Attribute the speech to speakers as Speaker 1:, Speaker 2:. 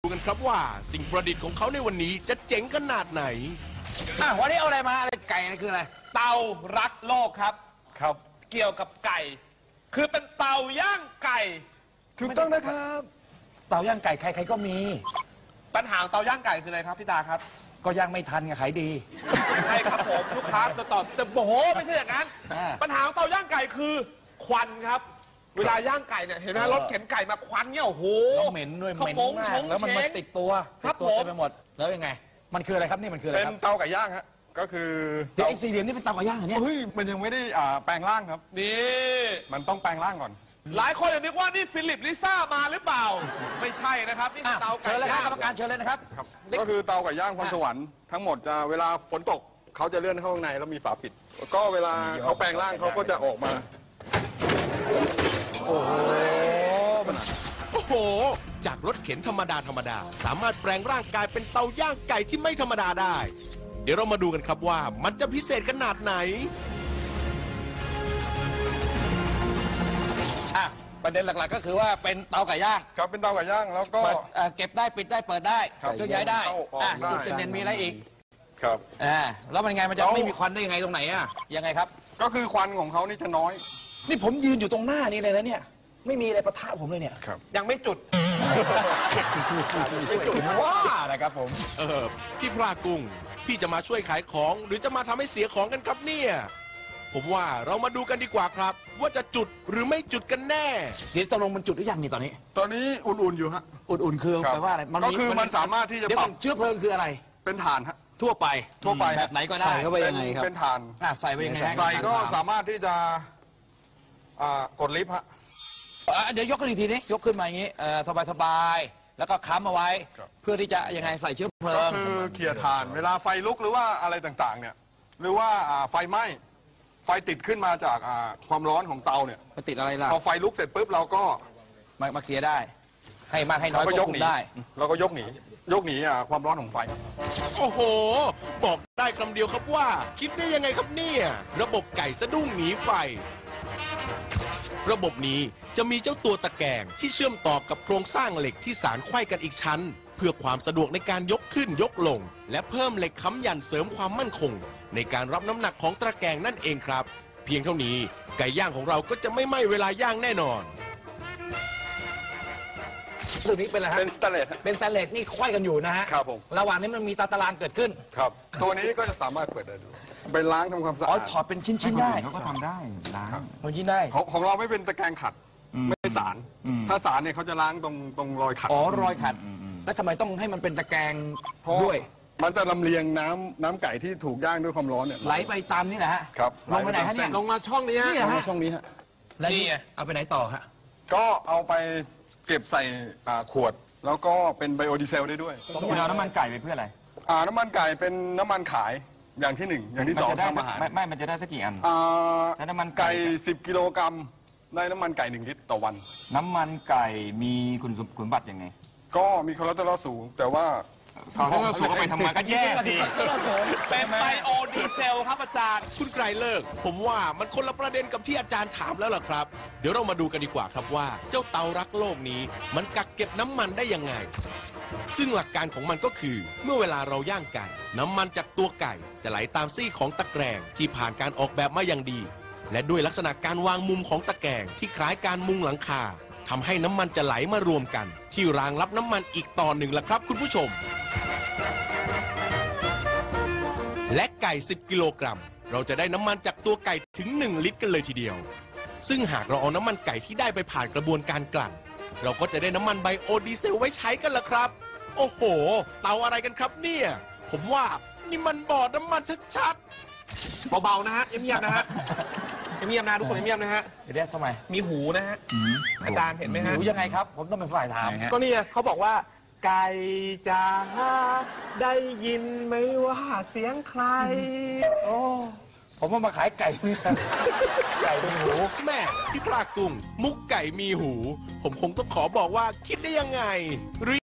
Speaker 1: ดูกันครับว่าสิ่งประดิษฐ์ของเขาในวันนี้จะเจ๋งขนาดไหน
Speaker 2: วันนี้เอาอะไรมาอะไรไก่นี่คืออะไร
Speaker 3: เตารักโลกครับเกี่ยวกับไก่คือเป็นเตาย่างไก่
Speaker 2: ถูกต้องนะครับเตาย่างไก่ใครๆก็มี
Speaker 3: ปัญหาเตาย่างไก่คืออะไรครับพี่ตาครับ
Speaker 2: ก็ย่างไม่ทันไงขายดี
Speaker 3: ไม่ใช่ครับผมลูกค้าตอบจะโอ้โหไม่ใช่อย่างนั้นปัญหาเตาย่างไก่คือควันครับเวลาย่างไก่เนี่ยเห็นไหมรถเข็นไก่มาควันเนี่ยโอ้โห
Speaker 2: เหม็นด้วยเหม็นมากแล้วมันติดตัวเต็มไปหมดแล้วยังไงมันคืออะไรครับนี่มันคืออะไร
Speaker 4: ครับเป็นเตาไก่ย่างฮะก็คือ
Speaker 2: ไอ้สี่เหลี่ยมนี่เป็นเตาไก่ย่างเหรอเนี่ย
Speaker 4: เฮ้ยมันยังไม่ได้แปลงร่างครับ
Speaker 3: นี่
Speaker 4: มันต้องแปลงร่างก่อน
Speaker 3: หลายคนนึกว่านี่ฟิลิปลิซ่ามาหรือเปล่าไม่ใช่นะครับนี่เตาไก่
Speaker 2: ย่างเชิญเลยครับกรรมการ
Speaker 3: เ
Speaker 2: ชิญเลยนะครับ
Speaker 4: ก็คือเตาไก่ย่างพรสวรรค์ทั้งหมดจะเวลาฝนตกเขาจะเลื่อนเข้าข้างในแล้วมีฝาปิดก็เวลาเขาแปลงร่างเขาก็จะออกมา
Speaker 1: โอ้โหจากรถเข็นธรรมดาสามารถแปลงร่างกายเป็นเตาย่างไก่ที่ไม่ธรรมดาได้เดี๋ยวเรามาดูกันครับว่ามันจะพิเศษขนาดไหน
Speaker 2: ประเด็นหลักๆก็คือว่าเป็นเตาไก่ย่าง
Speaker 4: ครับเป็นเตาไก่ย่างแล้วก็
Speaker 2: เก็บได้ปิดได้เปิดได้เคลื่อนย้ายได้จุดเด่นมีอะไรอีก
Speaker 4: ครับ
Speaker 2: แล้วมันไงมันจะไม่มีควันได้ยังไงตรงไหนยังไงครับ
Speaker 4: ก็คือควันของเขานี่จะน้อย
Speaker 2: นี่ผมยืนอยู่ตรงหน้านี้เลยนะเนี่ยไม่มีอะไรปะทะผมเลยเนี่ย
Speaker 3: ยังไม่จุด
Speaker 2: ไม่จุดว่านะครับผม
Speaker 1: พี่พลากุ้งพี่จะมาช่วยขายของหรือจะมาทำให้เสียของกันครับเนี่ยผมว่าเรามาดูกันดีกว่าครับว่าจะจุดหรือไม่จุดกันแน่
Speaker 2: เดี๋ยวตกลงมันจุดหรือยังนี่ตอนนี้
Speaker 4: อุ่นๆอยู่ฮะ
Speaker 2: อุ่นๆคือแปลว่าอะไร
Speaker 4: ก็คือมันสามารถที่จะปรับ
Speaker 2: เชื้อเพลิงคืออะไร
Speaker 4: เป็นถ่านฮะ
Speaker 2: ทั่วไป
Speaker 4: แบบ
Speaker 2: ไหนก็ได้ใส่
Speaker 4: เข้าไปยังไงครับเป็นถ่าน
Speaker 2: ใส่ไปยังไง
Speaker 4: ใส่ก็สามารถที่จะกดลิฟต์ฮะ
Speaker 2: เดี๋ยวยกขึ้นอีกทีนี้ยกขึ้นมาอย่างนี้สบายๆแล้วก็ค้ำเอาไว้เพื่อที่จะยังไงใส่เชื้อเพลิง
Speaker 4: ก็คือเขี่ยถ่านเวลาไฟลุกหรือว่าอะไรต่างๆเนี่ยหรือว่าไฟไหม้ไฟติดขึ้นมาจากความร้อนของเตาเนี่ย
Speaker 2: ไปติดอะไรล่ะ
Speaker 4: พอไฟลุกเสร็จปุ๊บเราก็
Speaker 2: มาเคลียร์ได้ให้มากให้น้อยก็ยกได้
Speaker 4: เราก็ยกหนีความร้อนของไฟ
Speaker 1: โอ้โหบอกได้คำเดียวครับว่าคิดได้ยังไงครับเนี่ยระบบไก่สะดุ้งหนีไฟระบบนี้จะมีเจ้าตัวตะแกรงที่เชื่อมต่อกับโครงสร้างเหล็กที่สานไขว้กันอีกชั้นเพื่อความสะดวกในการยกขึ้นยกลงและเพิ่มเหล็กค้ำยันเสริมความมั่นคงในการรับน้ำหนักของตะแกรงนั่นเองครับเพียงเท่านี้ไก่ย่างของเราก็จะไม่ไหม้เวลาย่างแน่นอน
Speaker 2: ตัวนี้เป็นอะไรฮะ
Speaker 4: เป็นสแตนเลส
Speaker 2: เป็นสแตนเลสนี่ไขว้กันอยู่นะฮะ
Speaker 4: ครับผม
Speaker 2: ระหว่างนี้มันมีตารางเกิดขึ้น
Speaker 4: ครับตัวนี้ก็จะสามารถเปิดได้ด้วยไปล้างทำความสะอาด
Speaker 2: ถอดเป็นชิ้นๆได้
Speaker 5: เขาก็ทำได้ล้าง
Speaker 2: เป็นชิ้นได้
Speaker 4: ของเราไม่เป็นตะแกรงขัดไม่สารถ้าสารเนี่ยเขาจะล้างตรงรอยขัด
Speaker 2: รอยขัดแล้วทำไมต้องให้มันเป็นตะแกรงด้วย
Speaker 4: มันจะลำเลียงน้ำไก่ที่ถูกย่างด้วยความร้อนเนี่ย
Speaker 2: ไหลไปตามนี่แหละฮะ
Speaker 4: ครับ
Speaker 2: ลงไปไหนฮะเนี่ย
Speaker 3: ลงมาช่องนี้ฮะ
Speaker 4: ลงมาช่องนี้ฮะ
Speaker 2: แล้วนี่เอาไปไหนต่อฮะ
Speaker 4: ก็เอาไปเก็บใส่ขวดแล้วก็เป็นไบโอดีเซลได้ด้วย
Speaker 5: คุณเอาน้ำมันไก่ไปเพื่ออะไร
Speaker 4: น้ำมันไก่เป็นน้ำมันขายอย่างที่1อย่างที่2ทำอาหาร
Speaker 5: ไม่มันจะได้สักกี่อัน
Speaker 4: น้ำมันไก่10 กิโลกรัมได้น้ำมันไก่1 ลิตรต่อวัน
Speaker 5: น้ำมันไก่มีคุณสมบัติยังไง
Speaker 4: ก็มีคอเลสเตอรอลสูงแต่ว่า
Speaker 5: เขาสูงก็ไปทำงานก็แย่สิ
Speaker 3: เป็นไบโอดีเซลครับอาจารย์
Speaker 1: คุณไกรเลิกผมว่ามันคนละประเด็นกับที่อาจารย์ถามแล้วล่ะครับเดี๋ยวเรามาดูกันดีกว่าครับว่าเจ้าเตารักโลกนี้มันกักเก็บน้ำมันได้ยังไงซึ่งหลักการของมันก็คือเมื่อเวลาเราย่างไก่น้ำมันจากตัวไก่จะไหลตามซี่ของตะแกรงที่ผ่านการออกแบบมาอย่างดีและด้วยลักษณะการวางมุมของตะแกรงที่คล้ายการมุงหลังคาทำให้น้ำมันจะไหลมารวมกันที่รางรับน้ำมันอีกต่อหนึ่งล่ะครับคุณผู้ชมและไก่10 กิโลกรัมเราจะได้น้ำมันจากตัวไก่ถึง1 ลิตรกันเลยทีเดียวซึ่งหากเราเอาน้ำมันไก่ที่ได้ไปผ่านกระบวนการกลั่นเราก็จะได้น้ำมันไบโอดีเซลไว้ใช้กันล่ะครับโอ้โหเตาอะไรกันครับเนี่ยผมว่านี่มันบ่อน้ำมันชัด
Speaker 3: ๆเบาๆนะฮะเงียบๆนะฮะเงียบๆนะทุกคนเงียบๆนะฮะ
Speaker 2: เดี๋ยวทำไม
Speaker 3: มีหูนะฮะอาจารย์เห็นไหมฮะ
Speaker 2: หูยังไงครับผมต้องเป็นฝ่ายถาม
Speaker 3: ก็นี่เขาบอกว่าไก่จ๋าได้ยินไหมว่าเสียงใคร
Speaker 2: โอ้ผมว่ามาขายไก่ไก่มีหู
Speaker 1: แม่พี่ปลากุ้งมุกไก่มีหูผมคงต้องขอบอกว่าคิดได้ยังไง